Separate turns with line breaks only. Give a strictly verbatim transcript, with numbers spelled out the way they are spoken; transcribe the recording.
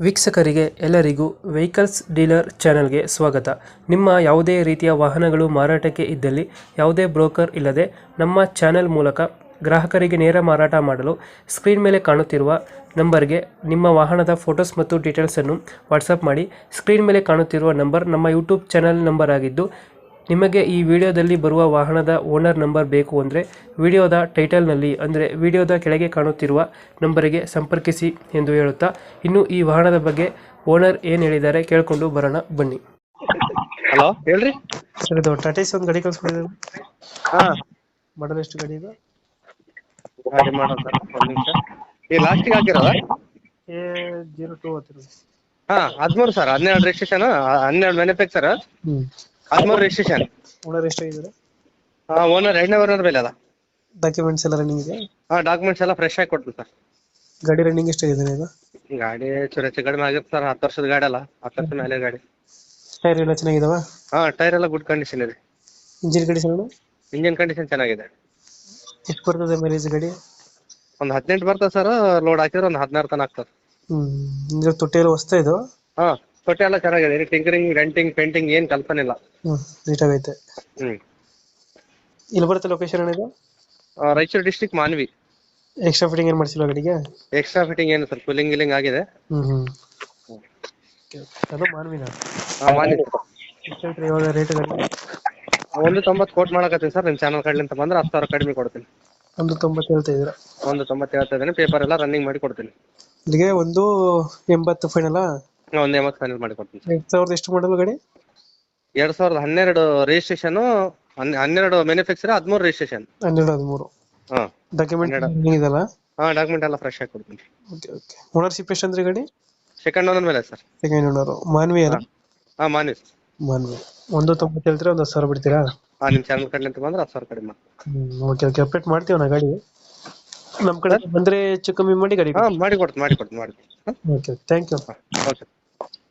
ವೀಕ್ಷಕರಿಗೆ ಎಲ್ಲರಿಗೂ vehicles dealer ಚಾನೆಲ್ಗೆ ಸ್ವಾಗತ. ನಿಮ್ಮ ಯಾವುದೇ ರೀತಿಯ ವಾಹನಗಳು ಮಾರಾಟಕ್ಕೆ ಇದ್ದಲ್ಲಿ ಯಾವುದೇ ಬ್ರೋಕರ್ ಇಲ್ಲದೆ ನಮ್ಮ ಚಾನೆಲ್ ಮೂಲಕ ಗ್ರಾಹಕರಿಗೆ ನೇರ ಮಾರಾಟ ಮಾಡಲು ಸ್ಕ್ರೀನ್ ಮೇಲೆ ಕಾಣುತ್ತಿರುವ ನಂಬರ್ಗೆ ನಿಮ್ಮ ವಾಹನದ ಫೋಟೋಸ್ ಮತ್ತು ಡೀಟೇಲ್ಸನ್ನು ವಾಟ್ಸಪ್ ಮಾಡಿ. ಸ್ಕ್ರೀನ್ ಮೇಲೆ ಕಾಣುತ್ತಿರುವ ನಂಬರ್ ನಮ್ಮ ಯೂಟ್ಯೂಬ್ ಚಾನೆಲ್ ನಂಬರ್ ಆಗಿದ್ದು, ನಿಮಗೆ ಈ ವಿಡಿಯೋದಲ್ಲಿ ಬರುವ ವಾಹನದ ಓನರ್ ನಂಬರ್ ಬೇಕು ಅಂದರೆ ವಿಡಿಯೋದ ಟೈಟಲ್ನಲ್ಲಿ ಅಂದರೆ ವಿಡಿಯೋದ ಕೆಳಗೆ ಕಾಣುತ್ತಿರುವ ನಂಬರಿಗೆ ಸಂಪರ್ಕಿಸಿ ಎಂದು ಹೇಳುತ್ತಾ, ಇನ್ನು ಈ ವಾಹನದ ಬಗ್ಗೆ ಓನರ್ ಏನು ಹೇಳಿದ್ದಾರೆ ಕೇಳಿಕೊಂಡು ಬರೋಣ ಬನ್ನಿ.
ಹಲೋ ಹೇಳ್ರಿ.
ಸರ್, ಇದು ಟಾಟಾ ಒಂದು ಗಾಡಿ ಕಳಿಸ್ಕೊಡಿದ್ರು,
ಹಾ
ಮಾಡಲ್ ಎಷ್ಟು ಗಾಡಿ ಇದು?
ಗಾಡಿ ಮಾಡೋಣ ಸರ್, ಒಂದು ನಿಮಿಷ. ಈ ಲಾಸ್ಟಿಗೆ ಹಾಕಿರೋದ
ಎ ಜೀರೋ ಟೂ ಹತ್ತಿರ.
ಹಾ ಹದಿಮೂರು ಸರ್, ಹನ್ನೆರಡು ರಿಜಿಸ್ಟ್ರೇಷನ್, ಹನ್ನೆರಡು ಮ್ಯಾನುಫ್ಯಾಕ್ಚರ್,
ಹ್ಞೂ
ಹದಿಮೂರು ರಿಜಿಸ್ಟ್ರೇಷನ್.
ಓನರ್ ಎಷ್ಟಾಗಿದ್ದಾರೆ?
ಹಾ ಓನರ್ ಎರಡನೇ ಓನರ್ ಮೇಲೆ ಅದ.
ಡಾಕ್ಯುಮೆಂಟ್ಸ್ ಎಲ್ಲ ರನ್ನಿಂಗ್ ಇದೆ?
ಹಾ ಡಾಕ್ಯುಮೆಂಟ್ಸ್ ಎಲ್ಲ ಫ್ರೆಶ್ ಆಗಿ ಕೊಡ್ತೀನಿ ಸರ್.
ಗಾಡಿ ರನ್ನಿಂಗ್ ಎಷ್ಟಾಗಿದೆ ಇದು?
ಗಾಡಿ ಚೂರು ಹೆಚ್ಚು ಕಡಿಮೆ ಆಗಿರುತ್ತೆ ಸರ್, ಹತ್ತು ವರ್ಷದ ಗಾಡಿ ಅಲ್ಲ, ಹತ್ತು ವರ್ಷದ ಮೇಲೆ ಗಾಡಿ.
ಟೈರ್ ಎಲ್ಲ ಚೆನ್ನಾಗಿದಾವ?
ಹಾ ಟೈರ್ ಎಲ್ಲ ಗುಡ್ ಕಂಡೀಷನ್ ಇದೆ.
Engine condition?
ಇಂಜಿನ್ ಕಂಡೀಷನ್ ಚೆನ್ನಾಗಿದೆ.
ಎಷ್ಟು ಬರ್ತದೆ ಮೈಲೇಜ್ ಗಾಡಿ?
ಒಂದು ಹದಿನೆಂಟು ಬರ್ತದೆ ಸರ್, ಲೋಡ್ ಹಾಕಿದ್ರೆ ಒಂದು ಹದಿನಾರು ತನಕ ಆಗ್ತದೆ.
ಹ್ಮ್, ತೊಟ್ಟಿ ಎಲ್ಲ ಹೊಸ್ತಾ ಇದು?
ಹಾ ತೊಟ್ಟಿ ಎಲ್ಲ ಚೆನ್ನಾಗಿದೆ, ಟಿಂಕರಿಂಗ್ ಡೆಂಟಿಂಗ್ ಪೇಂಟಿಂಗ್ ಏನ್ ಕಲ್ಪನೆ ಇಲ್ಲ.
ಹ್ಮ್, ನೀಟಾಗೈತೆ.
ಹ್ಮ್
ಇಲ್ಲಿ ಬರುತ್ತೆ ಲೊಕೇಶನ್ ಇದು?
ಆ, Raichur district Manvi.
Extra fitting ಏನು ಮಾಡಿಸಿಲ್ಲ ಗಾಡಿಗೆ?
ಎಕ್ಸ್ಟ್ರಾ ಫಿಟ್ಟಿಂಗ್ ಏನು ಸರ್, ಕೂಲಿಂಗ್ ಗಿಲಿಂಗ್ ಆಗಿದೆ.
ಹ್ಮ್ ಹ್ಮ್ ಅದು ಮಾನ್ವಿನ?
ಹಾ ಮಾನ್ವಿ.
ಎಷ್ಟು ಹೇಳ್ತೀರಿ ಇವಾಗ ರೇಟ್ ಗಾಡಿ?
ಒಂದು ತೊಂಬತ್ತು ಕೋಟ್ ಮಾಡಕತ್ತೀನಿ ಸರ್, ನಿಮ್ಮ ಚಾನಲ್ ಕಡ್ಲಿಂತ ಬಂದ್ರೆ ಹತ್ತು ಸಾವಿರ ಕಡಿಮೆ ಕೊಡ್ತೀನಿ.
ಒಂದು ತೊಂಬತ್ತು ಹೇಳ್ತಾ ಇದ್ದೀರಾ?
ಒಂದು ತೊಂಬತ್ತು ಹೇಳ್ತಾ ಇದ್ದೀನಿ, ಪೇಪರ್ ಎಲ್ಲ ರನ್ನಿಂಗ್ ಮಾಡಿ ಕೊಡ್ತೀನಿ.
ಇಲ್ಲಿಗೆ ಒಂದು ಎಂಬತ್ತು ಫೈನಲ್?
ಒಂದು ಎಂಬತ್ತು ಫೈನಲ್ ಮಾಡಿ ಕೊಡ್ತೀನಿ.
ಎರಡು ಸಾವಿರದ ಎಷ್ಟು ಮಾಡಲು ಗಾಡಿ?
ಎರಡ್ ಸಾವಿರದ ಹನ್ನೆರಡು ರಿಜಿಸ್ಟ್ರೇಷನ್, ಹನ್ನೆರಡು ಮ್ಯಾನುಫ್ಯಾಕ್ಚರ್, ಹದಿಮೂರು ರಿಜಿಸ್ಟ್ರೇಷನ್.
ಹನ್ನೆರಡು ಹದಿಮೂರು
ಹಾ
ಡಾಕ್ಯುಮೆಂಟ್ ಇದಲ್ಲ?
ಹಾ ಡಾಕ್ಯುಮೆಂಟ್ ಎಲ್ಲ ಫ್ರೆಶ್ ಆಗಿ ಕೊಡ್ತೀನಿ.
Okay okay. ಓನರ್ಶಿಪ್ ಎಷ್ಟು ಅಂದ್ರೆ ಗಾಡಿ?
ಸೆಕೆಂಡ್ ಓನರ್ ಮೇಲೆ ಸರ್.
Second owner. ಮಾನ್ವಿ ಅಲ್ಲ?
ಹಾ ಮಾನ್ವಿ.
ಮಾನ್ವಿ. ಒಂದು ತೊಂಬತ್ತು ಹೇಳ್ತೀರಾ, ಒಂದು ಹತ್ತು ಸಾವಿರ ಬಿಡ್ತೀರಾ?
ಹಾ ನಿಮ್ಮ ಚಾನಲ್ ಕಡ್ಲಿಂತ ಬಂದ್ರೆ ಹತ್ತು ಸಾವಿರ ಕಡಿಮೆ ಮಾಡಿ.
ಹ್ಮ್ ಓಕೆ ಓಕೆ. ಅಪ್ಡೇಟ್ ಮಾಡ್ತೀವಿ ನಾ ಗಾಡಿ ನಮ್ಮ ಕಡೆ ಬಂದ್ರೆ ಹೆಚ್ಚು ಕಮ್ಮಿ ಮಾಡಿ ಗಾಡಿ.
ಹಾ ಮಾಡಿ ಕೊಡ್ತೀನಿ ಮಾಡಿ ಕೊಡ್ತೀನಿ ಮಾಡಿ ಕೊಡ್ತೀನಿ.
Okay, thank you.
ಓಕೆ.